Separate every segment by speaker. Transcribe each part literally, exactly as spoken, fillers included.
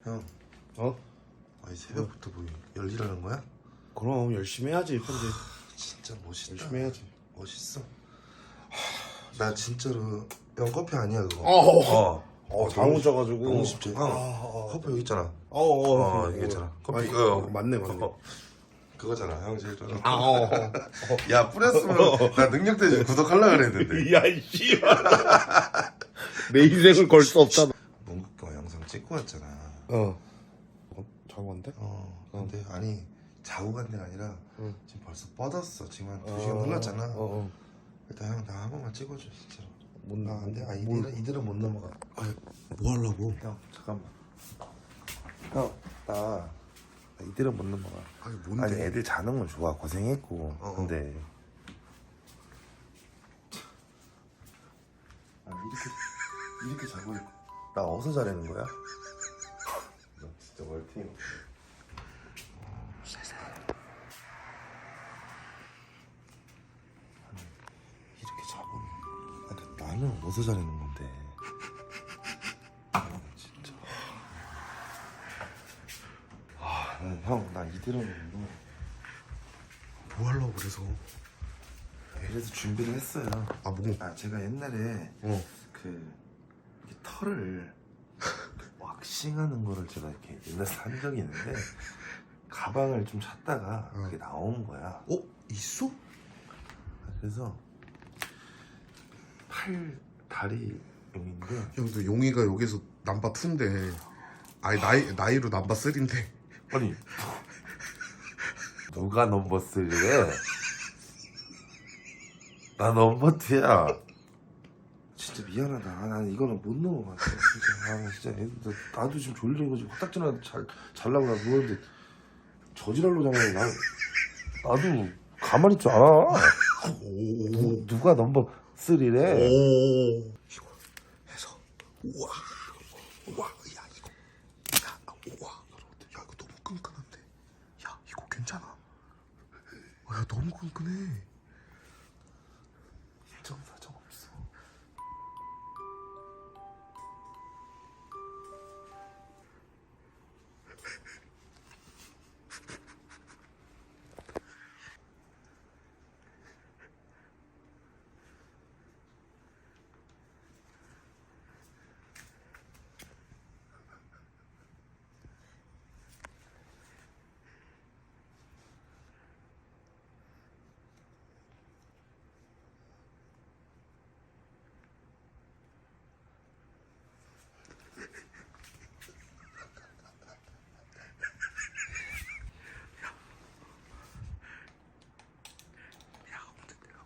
Speaker 1: 형,
Speaker 2: 어?
Speaker 1: 아니 새벽부터 뭐 열일하는 거야?
Speaker 2: 그럼 열심히 해야지 편집.
Speaker 1: 진짜 멋있다.
Speaker 2: 열심히 해야지.
Speaker 1: 멋있어. 나 진짜로 형 커피 아니야 그거?
Speaker 2: 어.
Speaker 1: 어.
Speaker 2: 어, 잘못 져가지고.
Speaker 1: 너무 쉽지. 형,
Speaker 2: 어,
Speaker 1: 커피 여기 있잖아.
Speaker 2: 어, 어,
Speaker 1: 어, 이게 있잖아. 커피.
Speaker 2: 아니,
Speaker 1: 어,
Speaker 2: 어, 맞네, 맞네.
Speaker 1: 어. 그거잖아. 형 제일 좋아하는.
Speaker 2: 아, 어, 어.
Speaker 1: 야 뿌렸으면 나 능력 대신 구독하려고 그랬는데.
Speaker 2: 야, 이씨. 내 인생을 걸 수 없잖아.
Speaker 1: 문국경 영상 찍고 왔잖아.
Speaker 2: 어. 어, 자고 간대?
Speaker 1: 어. 근데 아니 자고 간 데가 아니라
Speaker 2: 응.
Speaker 1: 지금 벌써 뻗었어. 지금 한 두
Speaker 2: 어,
Speaker 1: 시간 흘렀잖아.
Speaker 2: 어, 어.
Speaker 1: 일단 형 나 한 번만 찍어줘 진짜로.
Speaker 2: 못
Speaker 1: 아, 안 돼. 아,
Speaker 2: 뭘-
Speaker 1: 이들은, 이들은 못 넘어가.
Speaker 2: 아니, 뭐 하려고?
Speaker 1: 형, 잠깐만. 형, 나, 나 이들은 못 넘어가.
Speaker 2: 아니, 뭔데?
Speaker 1: 아니, 애들 자는 건 좋아. 고생했고.
Speaker 2: 어, 어.
Speaker 1: 근데. 아, 이렇게, 이렇게 자고 있고. 나 어디서 자라는 거야? 나 진짜 월팅. 이렇게 자고. 아니, 나는 어디서 자라는 건데. 아, 진짜. 아, 난 형, 나 이들은 뭐.
Speaker 2: 뭐 하려고 그래서?
Speaker 1: 그래서 준비를 했어요.
Speaker 2: 아, 뭐?
Speaker 1: 아, 제가 옛날에
Speaker 2: 어.
Speaker 1: 그 이렇게 털을 왁싱하는 거를 제가 이렇게 옛날에 한 적이 있는데 가방을 좀 찾다가
Speaker 2: 어.
Speaker 1: 그게 나온 거야.
Speaker 2: 어? 있어?
Speaker 1: 그래서 팔 다리 용인데
Speaker 2: 형도 용이가 여기서 남바 투인데 아니 나이, 나이로 남바 쓰리인데
Speaker 1: 아니 누가 넘버 쓰리래? 나 넘버 투야. 진짜 미안하다. 아, 난 이거는 못 넘어갔어. 진짜. 아, 나 진짜 애들, 나도 지금 졸린 거지. 코딱지나 잘 잘라고 나 누웠는데 저지랄로 자면 나 나도 가만히 있지 않아. 누, 누가 넘버 쓰리래?
Speaker 2: 오. 이거 해서 우와 우와 야 이거 야 우와 야 이거 너무 끈끈한데 야 이거 괜찮아 아, 야 너무 끈끈해
Speaker 1: 정사정 없어.
Speaker 2: 야 근데 내가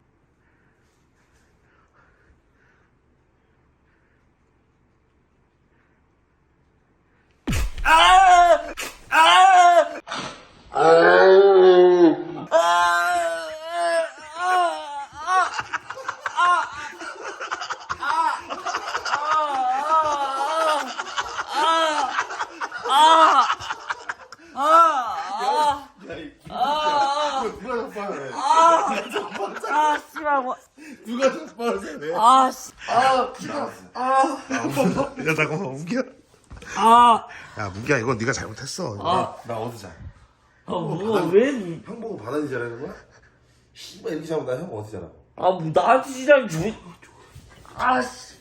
Speaker 2: 누가 자빠래
Speaker 3: 아, 씨발, 뭐.
Speaker 2: 누가 자빠래
Speaker 3: 아, 씨.
Speaker 2: 야 잠깐만 문기야
Speaker 3: 아,
Speaker 2: 야 문기야 이건 네가 잘못했어 이거.
Speaker 1: 나 어디 자?
Speaker 3: 아, 뭐, 왜.
Speaker 1: 형 보고 바다지 자라는 거야? 씨발 이렇게 자면 나형 어디 자라고?
Speaker 3: 아, 뭐, 나한테 시장 줘. 아, 씨.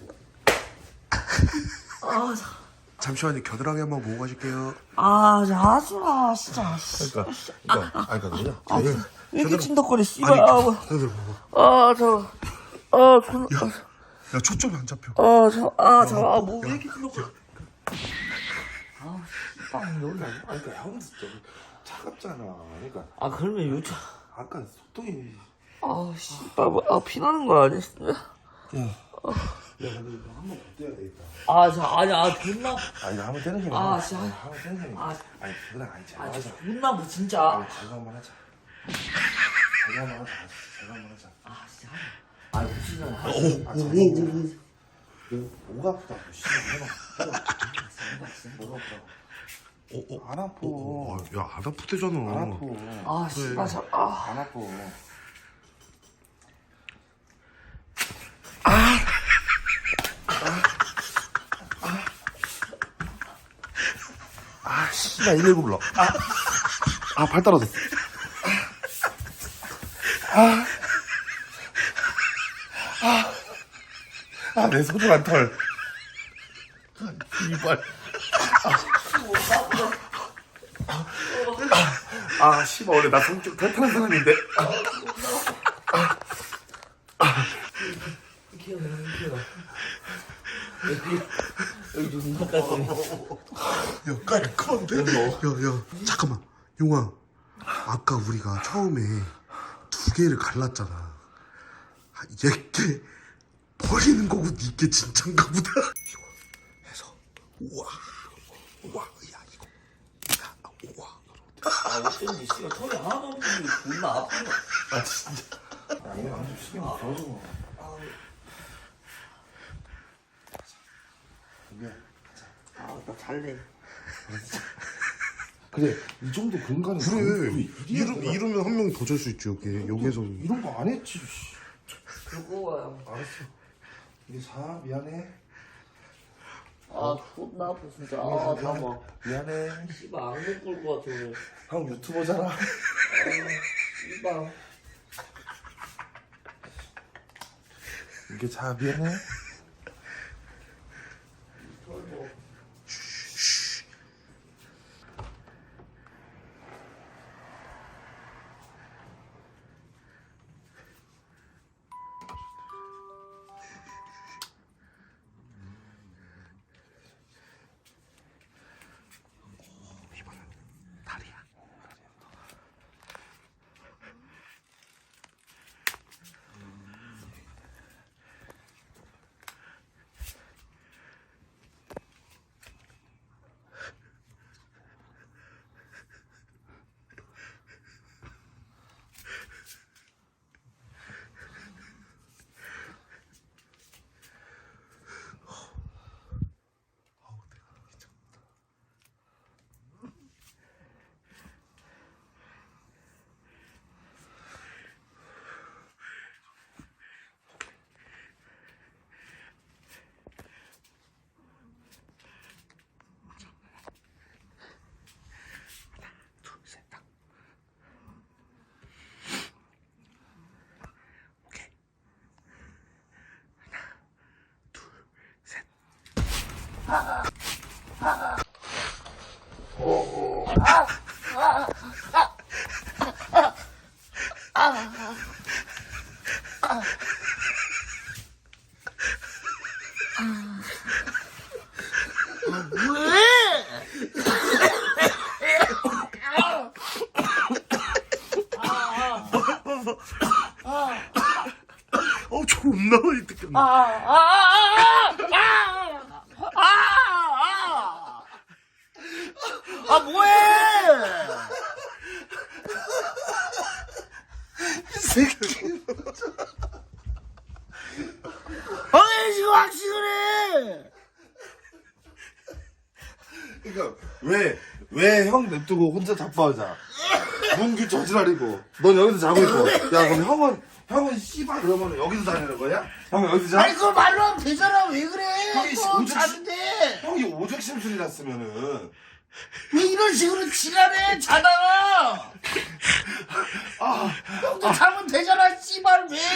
Speaker 3: 아, 자.
Speaker 2: 잠시만요 겨드랑이 한번 보고 가실게요
Speaker 3: 아, 자, 하지 마, 진짜. 씨.
Speaker 1: 그러니까 그러니까 아니 그러니까
Speaker 3: 아,
Speaker 1: 뭐냐?
Speaker 3: 왜 이렇게 찐덕거려, 씨발.
Speaker 2: 아니
Speaker 3: 아, 뭐.
Speaker 2: 겨드랑이 봐봐
Speaker 3: 아, 저. 아, 존나.
Speaker 2: 야 초점이 안 잡혀
Speaker 3: 아, 저. 아, 저. 아, 뭐, 왜 이렇게 찐덕거려. 아, 씨발, 놀라.
Speaker 1: 아니 그러니까 형 진짜 차갑잖아. 그러니까
Speaker 3: 아, 그러면 요즘.
Speaker 1: 아까 소통이.
Speaker 3: 아, 씨발, 뭐, 아, 피나는 거 아니야?
Speaker 1: 야 근데 이거 한번 더 떼야 되겠다.
Speaker 3: 아, 저, 아니, 아, 존나.
Speaker 1: 아니 이거 한번 떼는 게
Speaker 3: 아,
Speaker 1: 나아.
Speaker 3: 진짜.
Speaker 1: 아니, 한번 떼는 게 나아.
Speaker 3: 아,
Speaker 1: 아니 그냥 아니 제가
Speaker 3: 아,
Speaker 1: 하자.
Speaker 3: 존나, 뭐, 진짜.
Speaker 1: 아니 제가 한번 하자. 제가 한번 하자. 제가 한번 하자.
Speaker 3: 아, 진짜. 아, 무슨 날. 아,
Speaker 1: 아 제가 뭐, 뭐가 아프다고 씨발 해봐. 해봐. 뭐가 아프다고. 안 아파.
Speaker 2: 어, 야 안 아프대잖아
Speaker 1: 안 아파.
Speaker 3: 아, 씨발, 저. 아.
Speaker 1: 안 아파. 아, 씨발, 일일구 불러. 아, 아, 발 떨어졌어. 아, 아, 아, 내 소중한 털. 이발. 아, 아, 씨발, 원래 나 성격 탈탈한 사람인데. 아, 아,
Speaker 3: 기억나, 기억나. 여기, 여기 존나 깔끔해.
Speaker 2: 야, 깔끔한데? 야, 야, 잠깐만. 용아, 아까 우리가 처음에 두 개를 갈랐잖아. 아, 얘게 버리는 거고 니게 진짠가 보다. 이거 해서 우와, 우와, 야 이거, 야, 우와.
Speaker 3: 아, 어쩐지, 씨발, 털이 하나도 없는데 존나 아픈 거.
Speaker 1: 아, 진짜. 아, 이거 완전 신경 안 써줘. 이게.
Speaker 3: 아, 나 잘래.
Speaker 1: 그래, 이 정도 공간이.
Speaker 2: 그래, 이러, 이러면 한 명 더 잘 수 있지 여기. 여기에서.
Speaker 1: 이런 거 안 했지. 씨.
Speaker 3: 그거 와요.
Speaker 1: 알았어. 이게 사, 미안해.
Speaker 3: 아, 존나 아파, 진짜. 아, 잠깐만.
Speaker 1: 미안해.
Speaker 3: 씨발, 악몽 꿀 것 같아, 오늘.
Speaker 1: 형 유튜버잖아.
Speaker 3: 아, 씨발.
Speaker 1: 이게 자, 미안해.
Speaker 2: 다리야. 어 존나 많이 뜯겼네.
Speaker 3: 아, 아, 아, 아, 아, 아, 아, 뭐해?
Speaker 2: 이 새끼.
Speaker 3: 아니, 지금 확신을 해.
Speaker 1: 그러니까 왜 왜 형 냅두고 혼자 자빠하자. 문규 저지랄이고 넌 여기서 자고 있고. 야 그럼 형은 형은 씨발 그러면 여기서 다니는 거야? 형 여기서 자?
Speaker 3: 아니, 그걸 말로 하면 되잖아. 왜 그래?
Speaker 1: 형이
Speaker 3: 또
Speaker 1: 오죽-
Speaker 3: 자는데.
Speaker 1: 형이 오죽 심술이 났으면은.
Speaker 3: 왜 이런 식으로 지랄해? 자다가.
Speaker 1: 아,
Speaker 3: 형도 자면 되잖아. 씨발, 왜?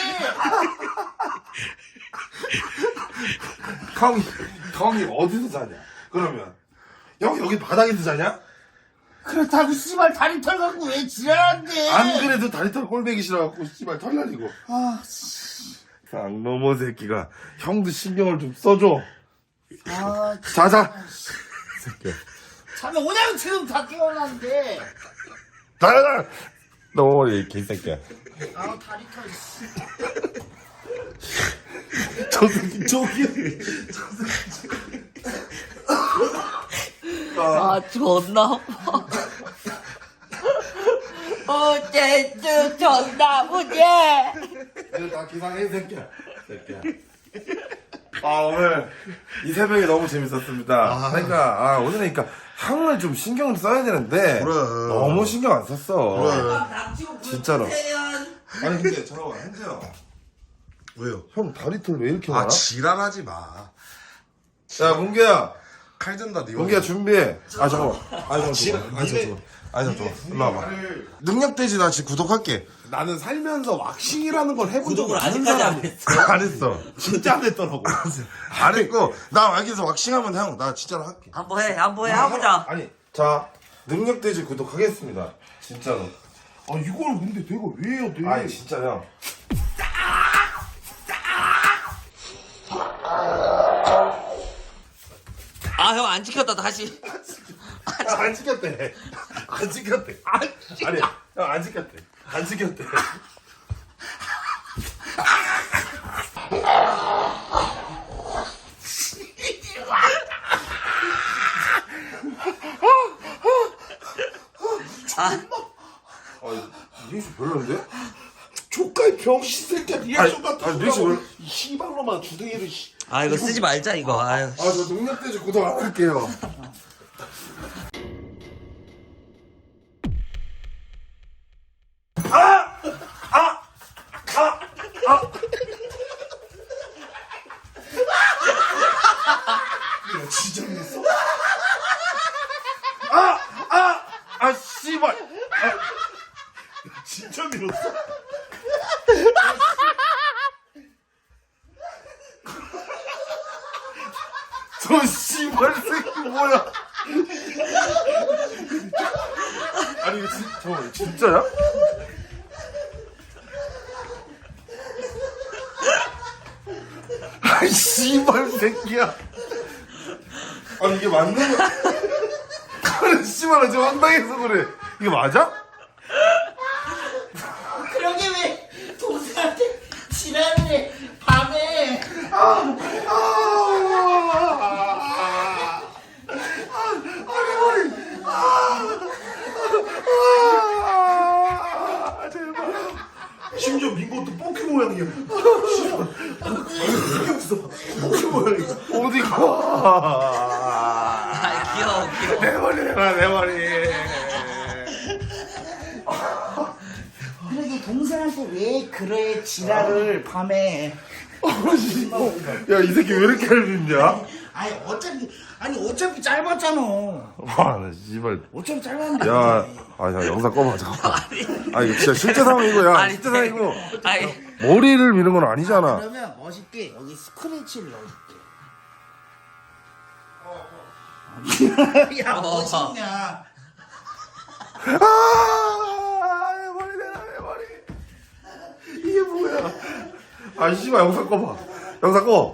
Speaker 1: 형이 형이 어디서 자냐? 그러면 형 여기 바닥에서 자냐?
Speaker 3: 그렇다고 씨발 다리 털 갖고 왜 지랄한데?
Speaker 1: 안 그래도 다리털 꼴배기 싫어갖고 씨발 털날리고.
Speaker 3: 아, 씨.
Speaker 1: 쌍놈의 새끼가 형도 신경을 좀 써줘.
Speaker 3: 아,
Speaker 1: 자자. 새끼야.
Speaker 3: 자면 오냐고 지금 다 깨어났는데.
Speaker 1: 자자. 너이 개새끼야.
Speaker 3: 아, 다리 털. 씨.
Speaker 1: 저 새끼 저기.
Speaker 3: 아, 존나 아파. 어쨌든 존나 아프지?
Speaker 1: 이거 다 기상해 새끼야. 새끼야. 아 오늘 이 새벽이 너무 재밌었습니다.
Speaker 2: 아.
Speaker 1: 그러니까 아 오늘은 그러니까 형을 좀 신경을 써야 되는데
Speaker 2: 그래.
Speaker 1: 너무 신경 안 썼어.
Speaker 2: 그래.
Speaker 1: 진짜로. 아니 근데 잠깐만 현재야.
Speaker 2: 왜요?
Speaker 1: 형 다리털 왜 이렇게 많아?
Speaker 2: 아 지랄하지 마.
Speaker 1: 야 문규야.
Speaker 2: 칼 든다 니.
Speaker 1: 용기야 준비해. 아 잠깐만. 아 잠깐만. 아 잠깐만. 아 잠깐만. 일로 와봐. 능력돼지 나 지금 구독할게.
Speaker 2: 나는 살면서 왁싱이라는 걸 해본 적을
Speaker 3: 구독을
Speaker 2: 아는
Speaker 3: 아직까지 안
Speaker 2: 사람이
Speaker 3: 했어.
Speaker 1: 안 했어.
Speaker 2: 진짜 안 했더라고.
Speaker 1: 안 했고 나 여기서 왁싱하면 형 나 진짜로 할게.
Speaker 3: 한번 해, 한번 해, 해보자.
Speaker 1: 아니 자 능력돼지 구독하겠습니다. 진짜로.
Speaker 2: 아 이걸 근데 내가 왜 해야 돼?
Speaker 1: 아니 진짜 형.
Speaker 3: 아, 형 안 지켰다, 다시.
Speaker 1: 안 지켰대. 안 지켰대. 아니 형 안 지켰대. 안 지켰대.
Speaker 3: 아,
Speaker 1: 아 리액션 별로인데?
Speaker 2: 조카의 병신 새끼야 리액션
Speaker 1: 아니,
Speaker 2: 같은
Speaker 1: 아니,
Speaker 2: 거
Speaker 1: 리액션
Speaker 2: 하고 이 씨발로만 주둥이를 씨.
Speaker 3: 아, 이거 쓰지 말자, 이거. 아유.
Speaker 1: 아 저 능력돼지 구독 안 할게요.
Speaker 2: 야 진짜 그랬어?
Speaker 1: 아 씨발.
Speaker 2: 진짜 밀었어?
Speaker 1: 저 씨발 새끼 뭐야? 아니 이거 진, 저 진짜야? 아이 씨발 새끼야. 아니 이게 맞는 거? 아니 씨발 나 지금 황당해서 그래. 이게 맞아?
Speaker 4: 그러게 왜 동생한테 지랄을 해 밤에
Speaker 2: 심지어 민 것도 뽀키 모양이야. 씨발. 이게 없어. 뽀키 모양이야.
Speaker 1: 어디가?
Speaker 3: 아, 귀여워, 귀여워.
Speaker 1: 내 머리 내가 내 머리.
Speaker 4: 그러게 동생한테 왜 그래 지랄을 밤에
Speaker 1: 야 이 새끼 왜 이렇게 얇냐?
Speaker 4: 아니 어차피 아니 어차피 짧았잖아
Speaker 1: 와나 씨발.
Speaker 4: 어차피 짧았는데
Speaker 1: 야, 아, 야, 영상 꺼봐, 잠깐만. 아, 이거 진짜 실제 상황이고, 야,
Speaker 3: 아니,
Speaker 1: 실제 상황이고.
Speaker 3: 아니,
Speaker 1: 머리를 미는 건 아니잖아.
Speaker 4: 그러면 멋있게 여기 스크래치를 넣어줄게 야 멋있냐
Speaker 1: 아, 내 머리 내놔, 내 머리. 이게 뭐야. 아, 씨발, 영상 꺼봐. 영상 꺼.